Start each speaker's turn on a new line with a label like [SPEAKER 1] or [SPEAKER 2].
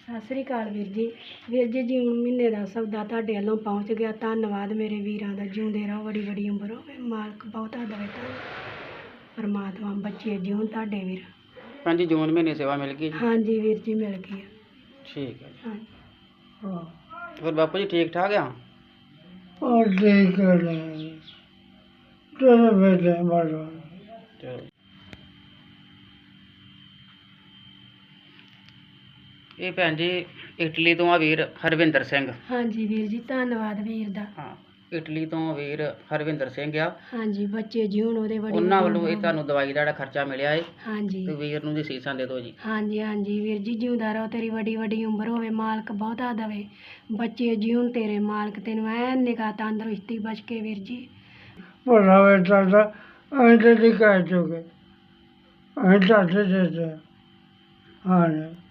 [SPEAKER 1] ਸਤਿ ਸ੍ਰੀ ਅਕਾਲ ਵੀਰ ਜੀ। ਵੀਰ ਜੀ, ਜੂਨ ਮਹੀਨੇ ਦਾ ਸੌਦਾ ਤੁਹਾਡੇ ਵੱਲੋਂ ਪਹੁੰਚ ਗਿਆ। ਧੰਨਵਾਦ ਮੇਰੇ ਵੀਰਾਂ ਦਾ। ਜਿਉਂਦੇ ਰਹੋ, ਬੜੀ ਬੜੀ ਉਮਰ ਹੋਵੇ, ਮਾਲਕ ਬਹੁਤਾ ਦੇਵੇ ਤੁਹਾਨੂੰ। ਪਰਮਾਤਮਾ ਬੱਚੇ ਜਿਉਣ ਤੁਹਾਡੇ ਵੀਰ।
[SPEAKER 2] ਹਾਂਜੀ, ਜੂਨ ਮਹੀਨੇ ਸੇਵਾ ਮਿਲ ਗਈ ਜੀ।
[SPEAKER 1] ਹਾਂਜੀ ਵੀਰ ਜੀ, ਮਿਲ ਗਈ ਆ।
[SPEAKER 2] ਠੀਕ ਹੈ ਜੀ।
[SPEAKER 1] ਹਾਂ
[SPEAKER 2] ਹੋਰ ਬਾਪੂ ਜੀ ਠੀਕ ਠਾਕ ਆ?
[SPEAKER 1] ਠੀਕ ਹੈ ਚਲੋ ਬੇਟੇ ਮਾਰੋ।
[SPEAKER 2] ਚਲੋ ਇਹ ਭੈਣ ਜੀ ਇਟਲੀ ਤੋਂ ਆ ਵੀਰ ਹਰਵਿੰਦਰ ਸਿੰਘ।
[SPEAKER 1] ਹਾਂਜੀ ਵੀਰ ਜੀ, ਧੰਨਵਾਦ ਵੀਰ ਦਾ।
[SPEAKER 2] ਹਾਂ, ਇਟਲੀ ਤੋਂ ਵੀਰ ਹਰਵਿੰਦਰ ਸਿੰਘ ਆ।
[SPEAKER 1] ਹਾਂਜੀ, ਬੱਚੇ ਜਿਉਣ ਉਹਦੇ ਬੜੀ
[SPEAKER 2] ਉਹਨਾਂ ਵੱਲੋਂ ਇਹ ਤੁਹਾਨੂੰ ਦਵਾਈ ਦਾ ਜਿਹੜਾ ਖਰਚਾ ਮਿਲਿਆ ਏ
[SPEAKER 1] ਹਾਂਜੀ
[SPEAKER 2] ਤੇ ਵੀਰ ਨੂੰ ਦੀ ਸੀਸਾਂ ਦੇ ਦਿਓ ਜੀ।
[SPEAKER 1] ਹਾਂਜੀ ਹਾਂਜੀ ਵੀਰ ਜੀ, ਜਿਉਂਦਾ ਰਹੋ, ਤੇਰੀ ਵੱਡੀ ਵੱਡੀ ਉਮਰ ਹੋਵੇ, ਮਾਲਕ ਬਹੁਤਾ ਦੇਵੇ। ਬੱਚੇ ਜਿਉਣ ਤੇਰੇ, ਮਾਲਕ ਤੈਨੂੰ ਐਨ ਨਿਗਾਹ ਤੰਦਰੁਸਤੀ ਬਚ ਕੇ ਵੀਰ ਜੀ। ਭਲਾ ਬੇਟਾ ਤਾਂ ਅਸੀਂ ਤਾਂ ਨਹੀਂ ਕਹਿ ਚੁੱਕੇ, ਅਸੀਂ ਤਾਂ ਦੇ ਹਾਂ